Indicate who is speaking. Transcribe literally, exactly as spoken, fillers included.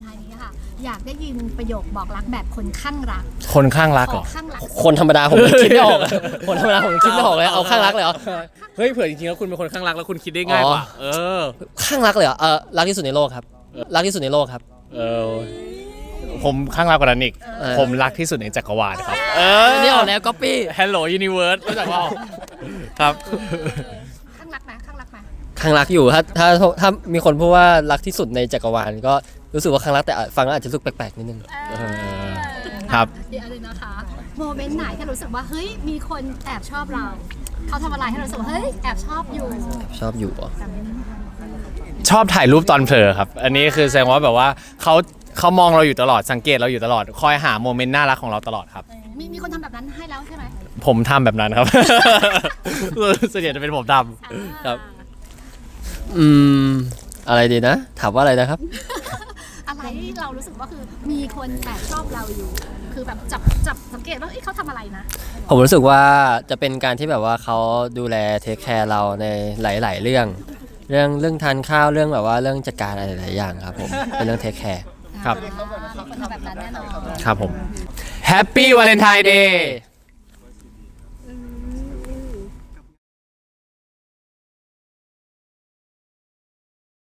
Speaker 1: ท้ายนี้ค่ะอยากได้ยินประโยคบอกรักแบบคนข้างรัก
Speaker 2: คนข้างรักเหรอ
Speaker 1: ข้างรัก
Speaker 3: คนธรรมดาผมคิดไม่ออกคนธรรมดาผมคิดไม่ออกเลยเอาข้างรักเลยเหรอ
Speaker 2: เฮ้ยเผื่อจริงๆแล้วคุณเป็นคนข้างรักแล้วคุณคิดได้ง่ายกว่าเออ
Speaker 3: ข้างรักเลยเหรอเออรักที่สุดในโลกครับรักที่สุดในโลกครับ
Speaker 2: เออผมข้างรักกว่านั้นอีก
Speaker 3: เออ
Speaker 2: ผมรักที่สุดในจักรวาลครับเออ
Speaker 3: นี่ออกแนวก๊อปปี้
Speaker 2: Hello Universe รู้จักเปล่าครับ
Speaker 1: ข้างรักไหมข้างรักไหม
Speaker 3: ข้างรักอยู่ถ้าถ้าถ้ามีคนพูดว่ารักที่สุดในจักรวาลก็รู้สึกว่าข้างรักแต่ฟังแล้วอาจจะรู้สึกแปลกๆนิดนึง
Speaker 1: เออ
Speaker 2: ครับ
Speaker 1: เดี๋ยวอะไรนะคะโมเมนต์ไหนที่รู้สึกว่าเฮ้ยมีคนแอบชอบเราเขาทำอะไรให้เรารู้สึกว่าเฮ้ยแอบชอบอยู่
Speaker 3: ชอบอยู่เหรอ
Speaker 2: ชอบถ่ายรูปตอนเผลอครับ อันนี้คือแสดงว่าแบบว่าเขาเขามองเราอยู่ตลอดสังเกตเราอยู่ตลอดคอยหาโมเมนต์น่ารักของเราตลอดครับ
Speaker 1: มีมีคนทำแบบนั้นให้แล้วใช่ไหม
Speaker 2: ผมทำแบบนั้นครับ ส่วนใหญ่จะเป็นผมทำครับ
Speaker 3: อืมอะไรดีนะ ถามว่าอะไรนะครับ
Speaker 1: อะไรที่เรารู้สึกว่าคือมีคนแอบชอบเราอยู่ คือแบบจับจับสังเกตว่าเอ้ยเขาทำอะไรนะ
Speaker 3: ผมรู้สึกว่าจะเป็นการที่แบบว่าเขาดูแลเทคแคร์เราในหลาย ๆ เรื่อง เรื่องเรื่องทานข้าวเรื่องแบบว่าเรื่องจัดการอะไรหลายๆอย่างครับผมเป็นเรื่องเทคแคร์
Speaker 2: ครับ
Speaker 1: มีคนทำแบบนั้นแน่นอน
Speaker 2: ครับผม Happy Valentine Day